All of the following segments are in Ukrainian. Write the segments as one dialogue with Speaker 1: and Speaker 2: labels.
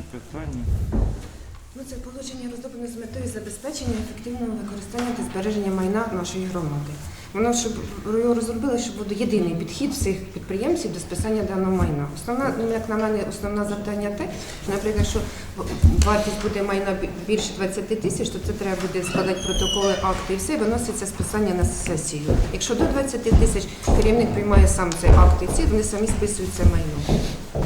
Speaker 1: питання.
Speaker 2: Це положення розроблено з метою забезпечення ефективного використання та збереження майна нашої громади. Воно, щоб його розробили, щоб буде єдиний підхід всіх підприємців до списання даного майна. Основна, як на мене, основне завдання те, що, наприклад, що вартість буде майна більше 20 тисяч, то це треба буде складати протоколи, акти і все, виноситься списання на сесію. Якщо до 20 тисяч, керівник приймає сам цей акт і ці, вони самі списують це майно.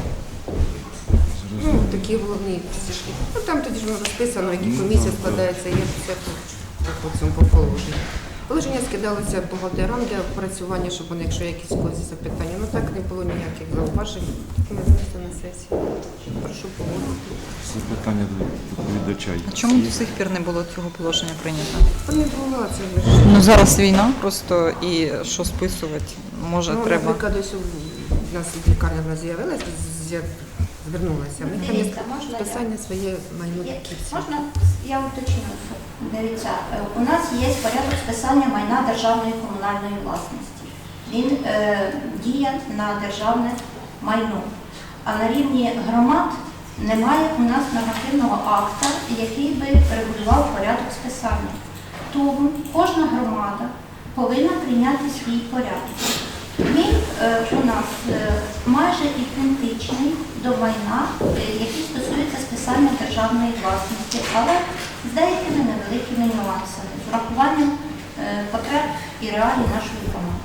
Speaker 2: Такі головні стежки. Там тоді ж воно розписано, які комісії складаються, є все по цьому положенню. Положення скидалося бухгалтерам для опрацювання, щоб вони, якщо якісь когось запитання, так не було ніяких зауважень, ми винесли на сесію. Прошу погодити.
Speaker 1: Всі питання до доповідача.
Speaker 3: А чому до сих пір не було цього положення прийнято?
Speaker 2: Та не було, це ж.
Speaker 3: Зараз війна просто, і що списувати, може треба.
Speaker 2: Наприклад, ось у нас лікарня з'явилася, звернулася. Ми там є списання своє майно.
Speaker 4: Можна, я уточню. Дивіться, у нас є порядок списання майна державної комунальної власності. Він діє на державне майно. А на рівні громад немає у нас нормативного акта, який би регулював порядок списання. Тому кожна громада повинна прийняти свій порядок. Він у нас майже ідентичний до майна, який стосується списання державної власності, але з деякими невеликими нюансами, з врахуванням потреб і реалій нашої громади.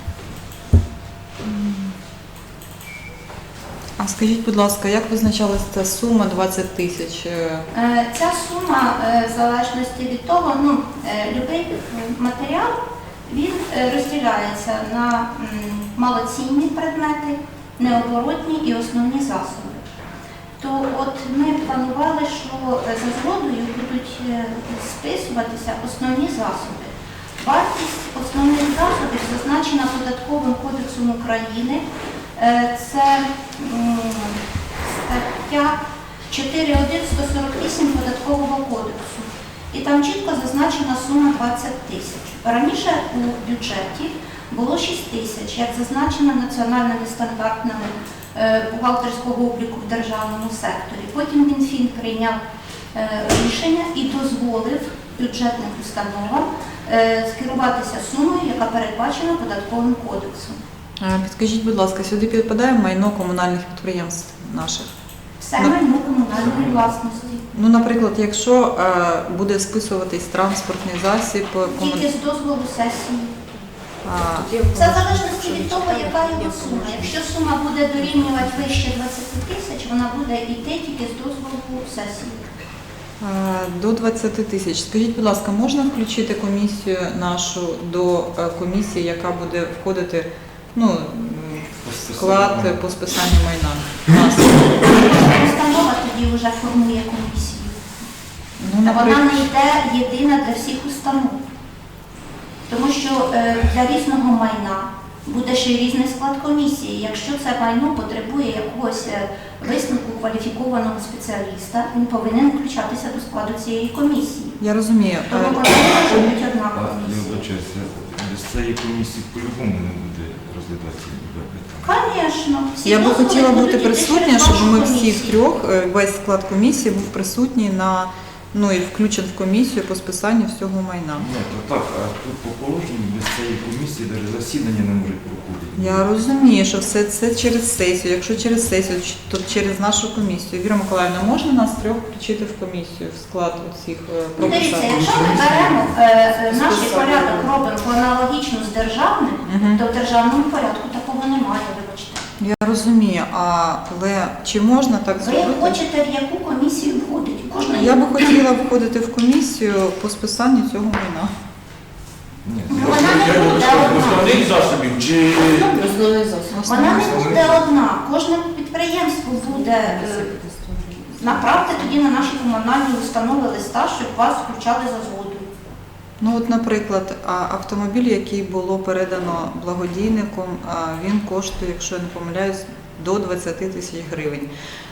Speaker 3: А скажіть, будь ласка, як визначалася ця сума 20 тисяч?
Speaker 4: Ця сума, в залежності від того, будь-який матеріал, він розділяється на малоцінні предмети, необоротні і основні засоби. То от ми планували, що за згодою будуть списуватися основні засоби. Вартість основних засобів зазначена Податковим кодексом України. Це стаття 4.1.148 Податкового кодексу. І там чітко зазначена сума 20 тисяч. Раніше у бюджеті було 6 тисяч, як зазначено національними стандартами бухгалтерського обліку в державному секторі. Потім Мінфін прийняв рішення і дозволив бюджетним установам скеруватися сумою, яка передбачена Податковим кодексом.
Speaker 3: Підкажіть, будь ласка, сюди підпадає майно комунальних підприємств наших?
Speaker 4: Все майно комунальної власності.
Speaker 3: Наприклад, якщо буде списуватись транспортний засіб...
Speaker 4: Тільки з дозволу сесії. Це в залежності від того, яка його сума. Якщо сума буде дорівнювати вище 20 тисяч, вона буде йти тільки з дозволу сесії.
Speaker 3: До 20 тисяч. Скажіть, будь ласка, можна включити комісію нашу до комісії, яка буде входити в склад по списанню майна?
Speaker 4: Установа тоді вже формує комісію.
Speaker 3: Наприклад...
Speaker 4: Вона не йде єдина для всіх установ. Тому що для різного майна буде ще й різний склад комісії. Якщо це майно потребує якогось висновку кваліфікованого спеціаліста, він повинен включатися до складу цієї комісії.
Speaker 3: Я розумію.
Speaker 4: Тому може бути одна
Speaker 1: Я
Speaker 4: комісія.
Speaker 1: вибачаюся, без цієї комісії по-любому не буде розглядатися питання.
Speaker 4: Звісно.
Speaker 3: Я би хотіла бути присутня, щоб ми всі трьох, весь склад комісії був присутній і включен в комісію по списанню всього майна.
Speaker 1: Ні, то так, а тут по положенню без цієї комісії навіть засідання не може проходити.
Speaker 3: Я розумію, що все це через сесію. Якщо через сесію, то через нашу комісію. Віра Миколаївна, можна нас трьох включити в комісію, в склад цих
Speaker 4: Дивіться,
Speaker 3: прописань?
Speaker 4: якщо ми беремо наш порядок, робимо аналогічно з державним, то в державному порядку такого немає, вибачте.
Speaker 3: Я розумію, але чи можна так
Speaker 4: Ви
Speaker 3: зробити?
Speaker 4: хочете в яку комісію входить?
Speaker 3: Я би хотіла входити в комісію по списанню цього майна.
Speaker 1: Ні,
Speaker 4: Вона не буде одна.
Speaker 5: Основних засобів чи
Speaker 4: Вона не буде одна. Кожне підприємство буде. Направте тоді на наші комунальні установи листа, щоб вас включали за згодою.
Speaker 3: Наприклад, автомобіль, який було передано благодійником, він коштує, якщо я не помиляюсь, до 20 тисяч гривень.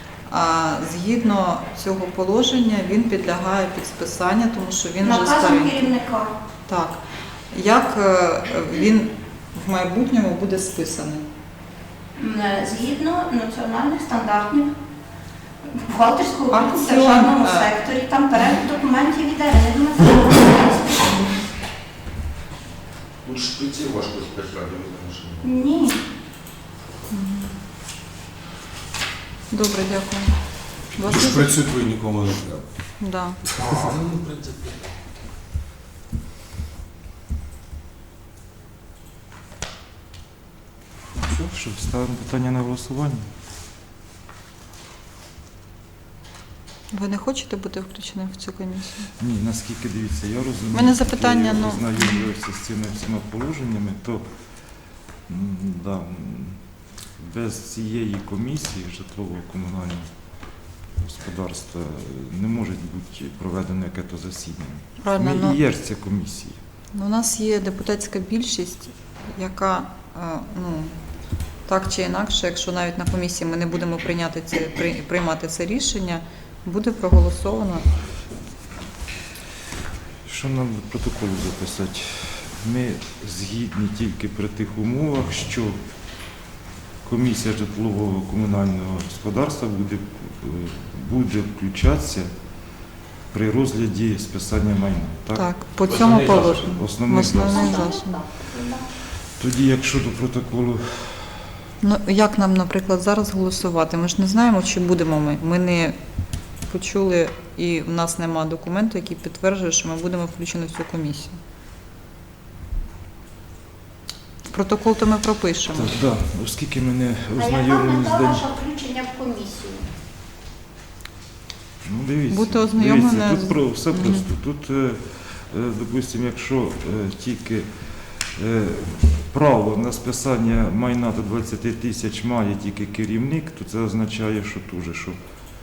Speaker 3: Згідно цього положення він підлягає під списання, тому що він вже
Speaker 4: Наказом
Speaker 3: старий.
Speaker 4: керівника.
Speaker 3: Так. Як він в майбутньому буде списаний?
Speaker 4: Згідно національних стандартів Бухгалтерську обліку в
Speaker 3: Акціон,
Speaker 4: державному секторі, там перелік документів іде. Я не думаю, що
Speaker 5: Тут шпиці важко списати.
Speaker 4: ні.
Speaker 3: Добре, дякую. У вас
Speaker 6: Тож
Speaker 3: є-
Speaker 6: працюють ви нікому не треба.
Speaker 3: Да.
Speaker 5: Ну, в принципі.
Speaker 1: Що, ставимо питання на голосування?
Speaker 3: Ви не хочете бути включеним в цю комісію?
Speaker 1: Ні, наскільки дивіться, я розумію.
Speaker 3: У мене запитання,
Speaker 1: я
Speaker 3: ну.
Speaker 1: ознайомлювався з цими всіма положеннями, то да, без цієї комісії житлово-комунального господарства не може бути проведено яке-то засідання.
Speaker 3: Правильно,
Speaker 1: Ми
Speaker 3: ну,
Speaker 1: і є ж ця комісія.
Speaker 3: у нас є депутатська більшість, яка, ну, так чи інакше, якщо навіть на комісії ми не будемо приймати це рішення, буде проголосовано.
Speaker 1: Що нам в протоколі записати? Ми згідні тільки при тих умовах, що комісія житлового комунального господарства буде включатися при розгляді списання майна. Так?
Speaker 3: Так, по цьому
Speaker 5: Основний
Speaker 3: положенню.
Speaker 1: Основний
Speaker 3: Основний
Speaker 1: засіб.
Speaker 3: засіб.
Speaker 1: Тоді, якщо до протоколу,
Speaker 3: Ну, як нам, наприклад, зараз голосувати? Ми ж не знаємо, чи будемо ми. Ми не почули, і в нас немає документу, який підтверджує, що ми будемо включені в цю комісію. В протокол то ми пропишемо.
Speaker 1: так, да, оскільки ми не
Speaker 4: А яка
Speaker 1: ознайомлені з
Speaker 4: мета
Speaker 1: день.
Speaker 4: ваша включення в комісію?
Speaker 1: Ну, дивіться,
Speaker 3: Бути ознайомлене
Speaker 1: дивіться,
Speaker 3: з-
Speaker 1: тут все
Speaker 3: Мгм.
Speaker 1: просто. Тут, допустимо, якщо тільки право на списання майна до 20 тисяч має тільки керівник, то це означає, що дуже, що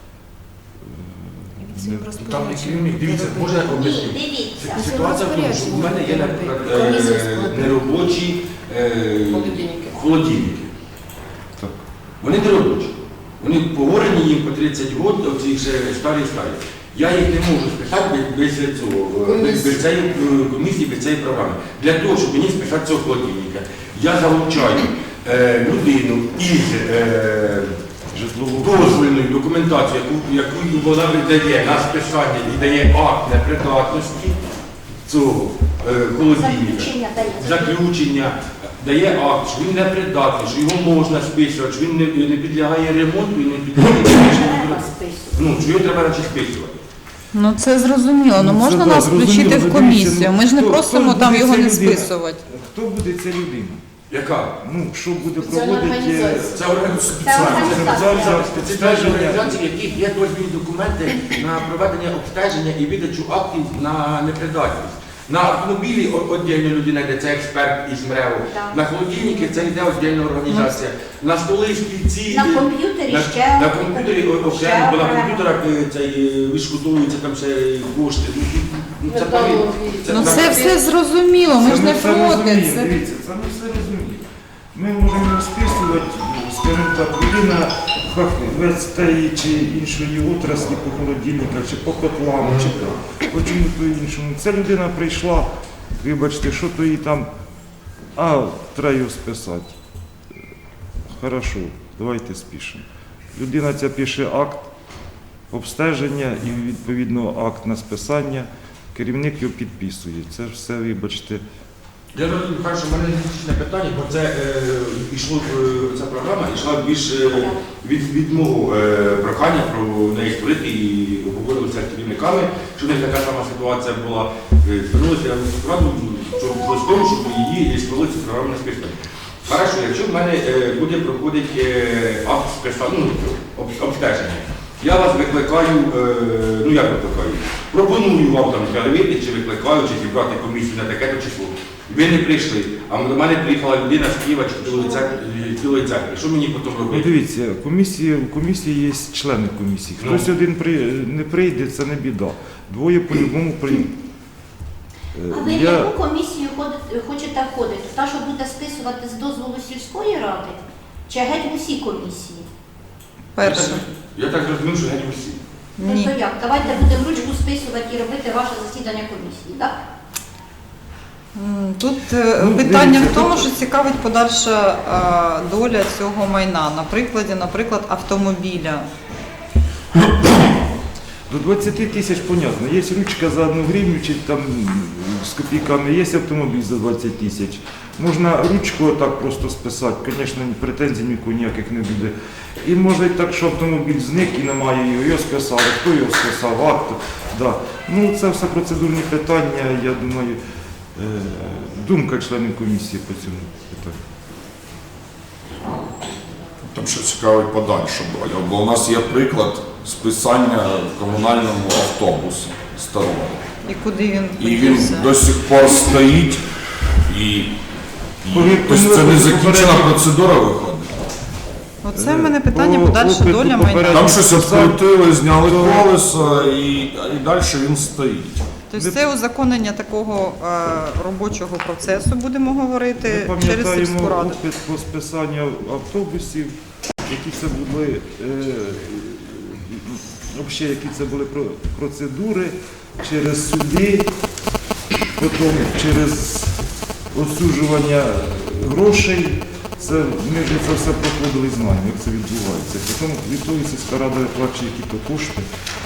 Speaker 2: Цим
Speaker 1: не-
Speaker 5: Там не керівник, дивіться,
Speaker 2: робити.
Speaker 5: можна
Speaker 4: Ні,
Speaker 5: об'яснити.
Speaker 4: дивіться.
Speaker 5: Ситуація в тому, що в мене є, наприклад,
Speaker 2: Комісію складати.
Speaker 5: неробочі холодильники.
Speaker 1: так.
Speaker 5: Вони неробочі. Вони погорені їм по 30 років, оці ще старі. Я їх не можу списати без цього, без цієї комісії, без цієї програми. Для того, щоб мені списати цього холодильника, я залучаю людину із
Speaker 1: Житлового
Speaker 5: дозвільною документацією, яку вона видає на списання і дає акт непридатності цього холодильника.
Speaker 4: Заключення дається.
Speaker 5: Заключення, дає акт, що він непридатний, що його можна списувати, що він не підлягає ремонту і не підлягає
Speaker 4: Треба списувати.
Speaker 5: ну, що його треба наче списувати.
Speaker 3: Ну це зрозуміло, ну
Speaker 1: Ну, це
Speaker 3: можна
Speaker 1: да,
Speaker 3: нас
Speaker 1: зрозуміло.
Speaker 3: включити в
Speaker 1: Дивіться,
Speaker 3: комісію.
Speaker 1: ну,
Speaker 3: Ми ж не
Speaker 1: хто-
Speaker 3: просимо
Speaker 1: хто
Speaker 3: там
Speaker 1: буде
Speaker 3: його
Speaker 1: ця
Speaker 3: не
Speaker 1: людина?
Speaker 3: списувати.
Speaker 1: Хто буде ця людина?
Speaker 5: Яка?
Speaker 1: Ну, що буде проводити
Speaker 5: Це організація спеціальної організації, в яких є дозвільні документи на проведення обстеження і видачу актів на непридатність. На автомобілі віддільна людина йде, це експерт із МРЕО.
Speaker 4: Так.
Speaker 5: На холодильники це йде віддільна організація. На столи, стільці.
Speaker 4: На комп'ютері
Speaker 5: на,
Speaker 4: ще
Speaker 5: на комп'ютері окремо, бо на комп'ютерах відшкодовуються там ще кошти. Ну, це там-
Speaker 3: Ну
Speaker 5: там-
Speaker 3: це все зрозуміло, ми ж не
Speaker 1: це
Speaker 3: проти.
Speaker 1: розуміємо,
Speaker 3: Це-
Speaker 1: Дивіться, це ми все розуміємо. Ми можемо розписувати, скажімо так, людина фахівець тієї чи іншої отраслі по холодильниках, чи по котлам, чи по чому-то іншому. Ця людина прийшла, вибачте, що то їй там, треба його списати. Хорошо, давайте спішимо. Людина ця пише акт обстеження і відповідно акт на списання. Керівник його підписує. Це ж все, вибачте.
Speaker 5: Я розумію, що в мене логічне питання, бо це ця програма йшла більш від мого прохання про неї створити і обговорювалися з керівниками, що в них така сама ситуація була. Звернулися в раду, з тому, щоб її створили цю програму на списання. Хорошо, якщо в мене буде проходити акт списання, обстеження, я вас викликаю, ну як викликаю, пропоную вам там перевірити, чи викликаю, чи зібрати комісію на таке-то число. Ви не прийшли, а до мене приїхала людина з Києва чи з Білої церкви. Що мені потім
Speaker 1: Ну,
Speaker 5: робити?
Speaker 1: дивіться, в комісії є члени комісії. Хтось один не прийде, це не біда. Двоє по-любому прийдуть.
Speaker 4: А ви в яку комісію хочете входити? Та, що буде списувати з дозволу сільської ради? Чи геть в усі комісії?
Speaker 3: Перше.
Speaker 5: Я так розумію, що геть усі.
Speaker 3: Ні.
Speaker 4: Тобто як? Давайте будемо ручку списувати і робити ваше засідання комісії, так?
Speaker 3: Тут
Speaker 1: Ну,
Speaker 3: питання
Speaker 1: дивіться,
Speaker 3: в тому,
Speaker 1: тут-
Speaker 3: що цікавить подальша доля цього майна. На прикладі, наприклад, автомобіля.
Speaker 1: До 20 тисяч, понятно. Є ручка за 1 гривню чи там з копійками, є автомобіль за 20 тисяч. Можна ручку отак просто списати, звісно, претензій нікого ніяких не буде. І може і так, що автомобіль зник і немає його списали, хто його списав, акт. Да. Ну, це все процедурні питання, я думаю, думка членів комісії по цьому питанню.
Speaker 6: Там ще цікавий подальша доля, бо у нас є приклад списання в комунальному автобусі старого.
Speaker 3: І куди він
Speaker 6: І він
Speaker 3: подівся?
Speaker 6: до сих пор стоїть, і
Speaker 1: Повірте,
Speaker 6: тобто це не
Speaker 1: ми
Speaker 6: закінчена
Speaker 1: попередньо-
Speaker 6: процедура виходить.
Speaker 3: Оце в мене питання
Speaker 1: По
Speaker 3: подальша
Speaker 1: опиту
Speaker 3: доля
Speaker 1: попередньо-
Speaker 3: майна.
Speaker 6: Там щось відкрутили, зняли колеса і далі він стоїть.
Speaker 3: Тобто це узаконення такого робочого процесу, будемо
Speaker 1: Ми
Speaker 3: говорити, через сільську
Speaker 1: пам'ятаємо
Speaker 3: раду.
Speaker 1: опит по списанню автобусів, які це були, взагалі, які це були процедури через суди, потім через осуджування грошей. Це, ми вже це все проходили і знаємо, як це відбувається. Потім від того сільська рада виплачує якісь кошти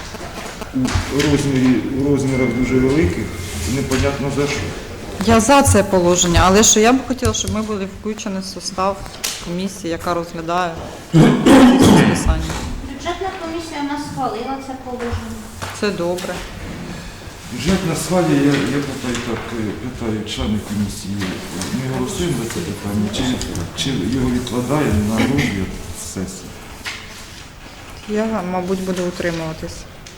Speaker 1: у розмірах дуже великих, і непонятно за що.
Speaker 3: Я за це положення, але що я б хотіла, щоб ми були включені в состав комісії, яка розглядає ці списання.
Speaker 4: Бюджетна комісія у нас схвалила це положення.
Speaker 3: Це добре.
Speaker 1: Бюджетна свалія, я питаю членів комісії, ми голосуємо за це питання, чи його відкладаємо на розгляд сесії?
Speaker 3: Я, мабуть, буду утримуватись.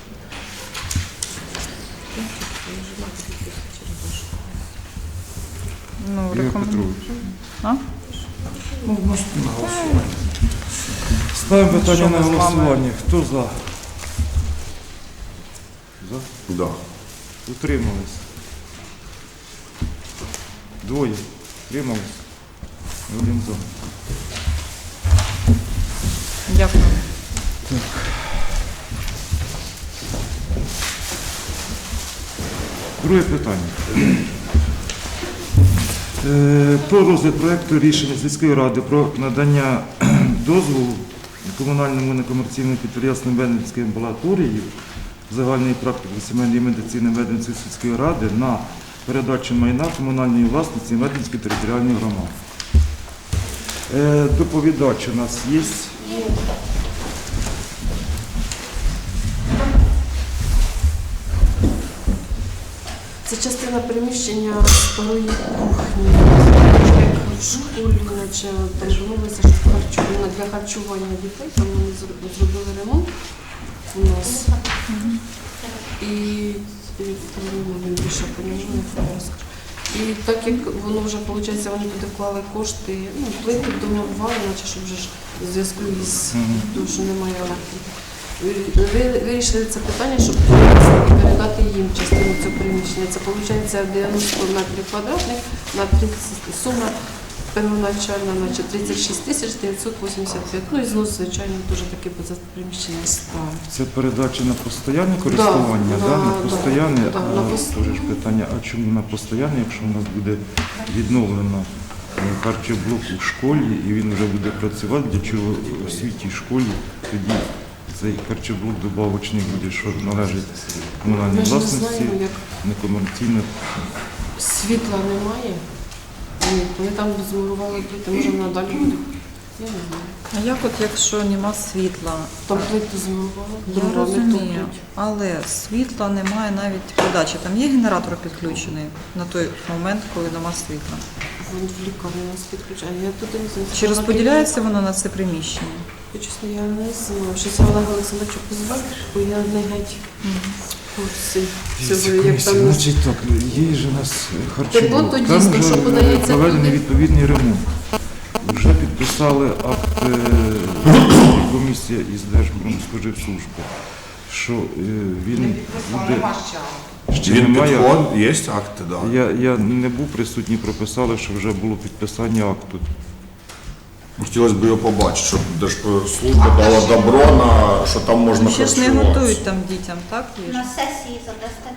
Speaker 3: Ну,
Speaker 1: Ігор
Speaker 3: рекомендую.
Speaker 1: Петрович.
Speaker 3: А?
Speaker 6: Ну, у нас на голосування.
Speaker 1: Ставимо питання
Speaker 3: Що
Speaker 1: на
Speaker 3: ми з вами?
Speaker 1: голосування. Хто за? За?
Speaker 6: Да.
Speaker 1: Утримались. Двоє. Утримались. Один за.
Speaker 3: Дякую.
Speaker 1: Друге питання. Про розгляд проекту рішення сільської ради про надання дозволу комунальному некомерційному підприємству Медицинської амбулаторії загальної практики сімейної медицини Медицинської сільської ради на передачу майна комунальної власності Медицинської територіальної громади. Доповідач у нас є.
Speaker 7: Це частина приміщення старої кухні. Як в школі, наче там домовилися, що для харчування дітей, там вони зробили ремонт у нас. І він більше понижує фреск. І так як воно вже, виходить, вони туди вклали кошти, ну, плити домовали, наче щоб вже ж в зв'язку із тим, що немає електрики. Вирішили це питання, щоб передати їм частину цього приміщення. Це виходить 90 метрів квадратних на 30, сума первоначальна, значить 36 тисяч 985. Ну і знос, звичайно, дуже таки за приміщення ставить.
Speaker 1: Це передача на постійне користування,
Speaker 7: Да,
Speaker 1: да, на
Speaker 7: да,
Speaker 1: постійне.
Speaker 7: да, на пост-
Speaker 1: Теж ж питання, а чому на постійне, якщо у нас буде відновлено харчоблок у школі і він вже буде працювати, для чого в освітній школі тоді цей харчоблок добавочний буде, що належить комунальній
Speaker 7: Ми ж не
Speaker 1: власності,
Speaker 7: знаємо, як
Speaker 1: некомерційно.
Speaker 7: світла немає. Ні, вони там змурували плити, може надалі буде. Я не знаю.
Speaker 3: А як от якщо нема світла?
Speaker 7: Там плити змурували,
Speaker 3: Я
Speaker 7: дрова не
Speaker 3: розумію,
Speaker 7: топлять.
Speaker 3: але світла немає навіть подачі. Там є генератор підключений на той момент, коли нема світла.
Speaker 7: Вон в лікарні нас підключають. Я туди не знаю.
Speaker 3: Чи розподіляється воно на це приміщення?
Speaker 7: Чесно, я не знаю. Щось Олег Олександрович позвав, бо я не геть в курсі цього, як там.
Speaker 1: Значить так, є ж у нас харчоблок,
Speaker 7: то
Speaker 1: там
Speaker 7: дійсно,
Speaker 1: вже
Speaker 7: що подається
Speaker 1: проведений
Speaker 7: туди.
Speaker 1: відповідний ремонт. Вже підписали акт комісія із Держпродспоживслужби, що він буде... Ще
Speaker 6: Він
Speaker 1: немає.
Speaker 6: підход, є акти, да.
Speaker 1: Я не був присутній, прописали, що вже було підписання акту.
Speaker 6: Хотілося б його побачити, щоб Держслужба дала добро на, що там можна
Speaker 3: Ще ж не
Speaker 6: харчуватися.
Speaker 3: готують там дітям, так? їжу?
Speaker 4: На сесії задасте.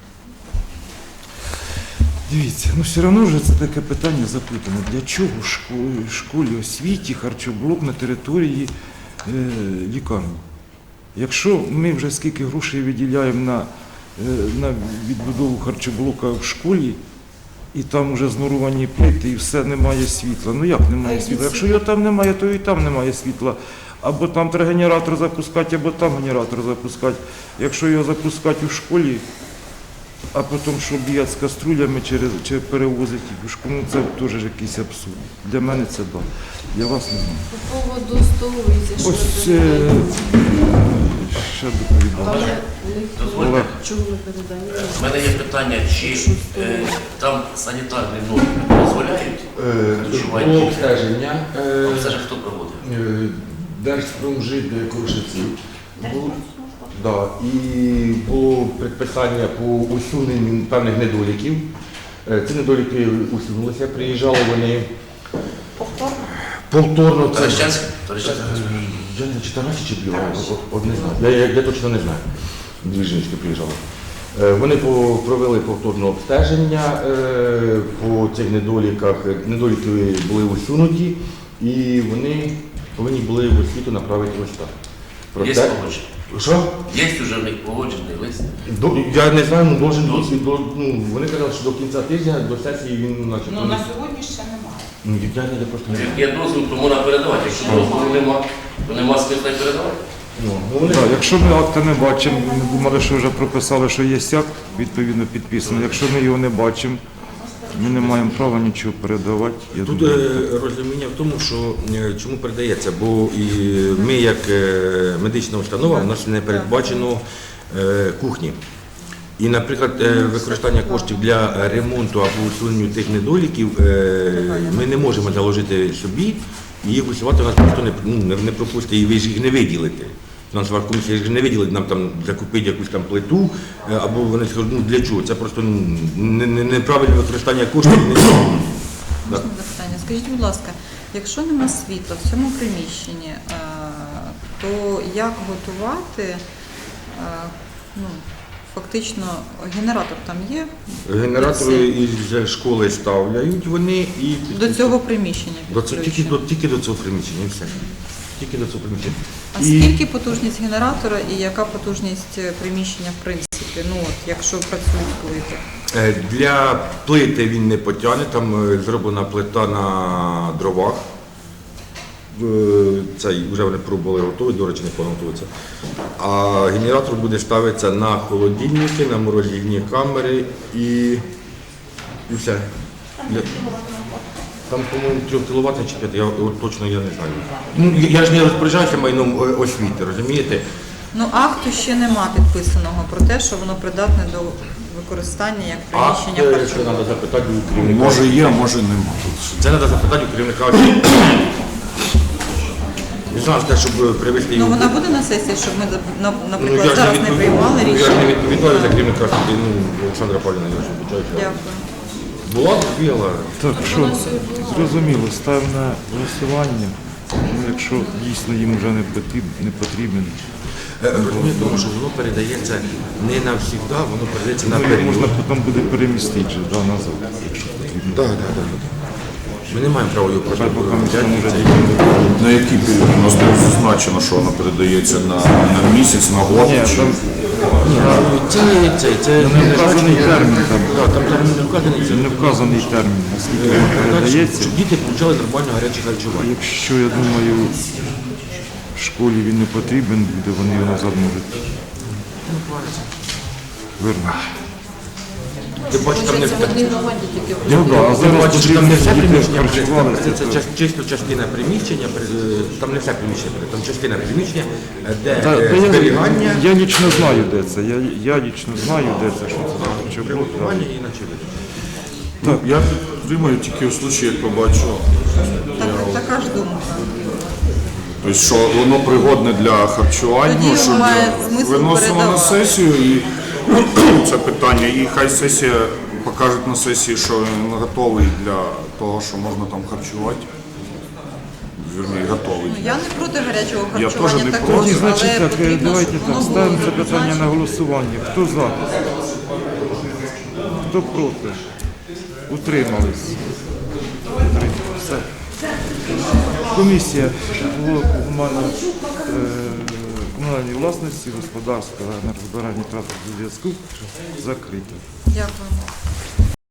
Speaker 1: Дивіться, ну все одно вже це таке питання запитане. Для чого школі освіті харчоблок на території лікарні? Якщо ми вже скільки грошей виділяємо на відбудову харчоблока в школі, і там вже знуровані плити, і все, немає світла. Ну як немає світла? Якщо його там немає, то і там немає світла. Або там треба генератор запускати, або там генератор запускати. Якщо його запускати у школі, а потім, що б'ять з каструлями чи перевозить їх у школу, ну, це теж якийсь абсурд. Для мене це так. Для вас не знаю.
Speaker 7: По поводу столовиці, що
Speaker 1: Ось
Speaker 7: ви передаєте?
Speaker 1: ще доповідав.
Speaker 7: Але
Speaker 1: Олег.
Speaker 7: ніхто чого не передає.
Speaker 8: У мене є питання, чи там санітарні норми дозволяють
Speaker 5: Було
Speaker 8: дочування?
Speaker 5: обстеження.
Speaker 8: Це ж хто проводив?
Speaker 5: Держпромжит Крушівців. Да, і було предписання по усуненню певних недоліків. Ці недоліки усунулися, приїжджали вони повторно. Це
Speaker 8: Таращанський?
Speaker 5: я не чи Тарасі, чи Блюва, от не знаю. Я точно не знаю. Дві жіночки приїжджали. Вони провели повторне обстеження по цих недоліках. Недоліки були усунуті, і вони повинні були в освіту направити листа.
Speaker 8: Є погодження?
Speaker 5: Що?
Speaker 8: Є вже в них погоджений лист?
Speaker 5: Я не знаю, вони казали, що до кінця тижня, до сесії він наче.
Speaker 3: Ну, на сьогодні ще немає.
Speaker 5: Я просто не знаю.
Speaker 8: Є дозвіл, то можна передавати. Якщо дозволу нема, то нема смисла й передавати.
Speaker 1: Так, якщо ми акта не бачимо, ми думали, що вже прописали, що є акт, відповідно підписаний. Якщо ми його не бачимо, ми не маємо права нічого передавати. Я
Speaker 5: Тут
Speaker 1: думаю,
Speaker 5: розуміння в тому, що чому передається, бо і ми, як медична установа, у нас не передбачено кухні. І, наприклад, використання коштів для ремонту або усунення тих недоліків ми не можемо заложити собі, і їх усувати нас просто не пропустить, і ви ж їх не виділите. Фінансова комісія ж не виділить нам там закупити якусь там плиту, або вони скажуть, ну для чого? Це просто неправильне використання коштів.
Speaker 3: Можна запитання? Скажіть, будь ласка, якщо нема світла в цьому приміщенні, то як готувати, фактично, генератор там є?
Speaker 5: Генератори із школи ставляють вони і
Speaker 3: До цього приміщення підключено?
Speaker 5: тільки до цього приміщення, і все. Тільки до цього приміщення.
Speaker 3: А скільки потужність генератора і яка потужність приміщення в принципі, якщо працюють плити?
Speaker 5: Для плити він не потягне, там зроблена плита на дровах. Цей вже вони пробували готові, до речі, не понадобиться. А генератор буде ставитися на холодильники, на морозильні камери і все. Там, по-моєму, 3 кВт чи 5, точно я не знаю. Ну, я ж не розпоряджаюся майном освіти, розумієте?
Speaker 3: Акту ще нема підписаного про те, що воно придатне до використання як приміщення
Speaker 5: Це
Speaker 3: харчування.
Speaker 5: треба запитати у керівника.
Speaker 6: Може є, може нема.
Speaker 5: Це треба запитати у керівника освіти. Не знаю, щоб привезти його.
Speaker 3: Вона буде на сесії, щоб ми, наприклад,
Speaker 5: я ж
Speaker 3: зараз не приймали
Speaker 5: Я ж
Speaker 3: рішення?
Speaker 5: не відповідаю за керівника освіти, Олександра Павлівна, я ж вибачаюся.
Speaker 3: Дякую.
Speaker 5: Була бігала.
Speaker 1: так, що зрозуміло, ставимо на голосування. Ну, якщо дійсно їм вже не потрібен,
Speaker 5: Розумієте, тому що воно передається не навсігда, воно передається на
Speaker 1: ну,
Speaker 5: період.
Speaker 1: можна потім буде перемістити вже, назад, якщо потрібно.
Speaker 5: Так. Ми не маємо права його просто
Speaker 1: Хай поки ми
Speaker 5: взяти.
Speaker 1: там вже
Speaker 5: Це-
Speaker 6: На який період? У нас було зазначено, що воно передається на місяць, на год.
Speaker 1: Ні,
Speaker 6: чи-
Speaker 1: там
Speaker 5: Це
Speaker 1: не вказаний термін, там
Speaker 5: Там не вказаний це.
Speaker 1: не вказаний термін, наскільки він передається.
Speaker 5: Щоб діти получали нормально гаряче харчування.
Speaker 1: Якщо, я думаю, в школі він не потрібен буде, вони його назад можуть вернути.
Speaker 5: Ти бачиш, там не
Speaker 7: Це в одній громаді тільки.
Speaker 1: Ну, да, а
Speaker 5: Ти
Speaker 1: зараз
Speaker 5: бачиш, там не все
Speaker 1: діти
Speaker 5: приміщення,
Speaker 1: харчувалися.
Speaker 5: це чисто частина приміщення, там не все приміщення, там частина приміщення, де
Speaker 1: Та
Speaker 5: зберігання,
Speaker 1: я лічно знаю, де це. Я лічно знаю, де це, що це за харчоблок.
Speaker 5: приготування і наче.
Speaker 6: Я підтримую тільки в случаї, як побачу,
Speaker 3: Така ж думка.
Speaker 6: тобто, що воно пригодне для харчування,
Speaker 3: Тоді
Speaker 6: що
Speaker 3: має смисл
Speaker 6: виносимо на
Speaker 3: передавати.
Speaker 6: сесію і це питання. І хай сесія покажуть на сесії, що він готовий для того, що можна там харчувати. Вірні, готовий.
Speaker 3: Я не проти гарячого
Speaker 6: Я
Speaker 3: харчування
Speaker 6: теж не
Speaker 3: також,
Speaker 6: проти.
Speaker 1: Тоді, значить,
Speaker 3: але
Speaker 1: так,
Speaker 3: потрібно,
Speaker 1: давайте
Speaker 3: щоб
Speaker 1: так,
Speaker 3: воно було
Speaker 1: ставимо це питання
Speaker 3: зазначено.
Speaker 1: на голосування. Хто за? Хто проти? Утримались. Все. Комісія комунальної власності господарського енергозбирання транспорту зв'язку закрито.
Speaker 3: Дякуємо.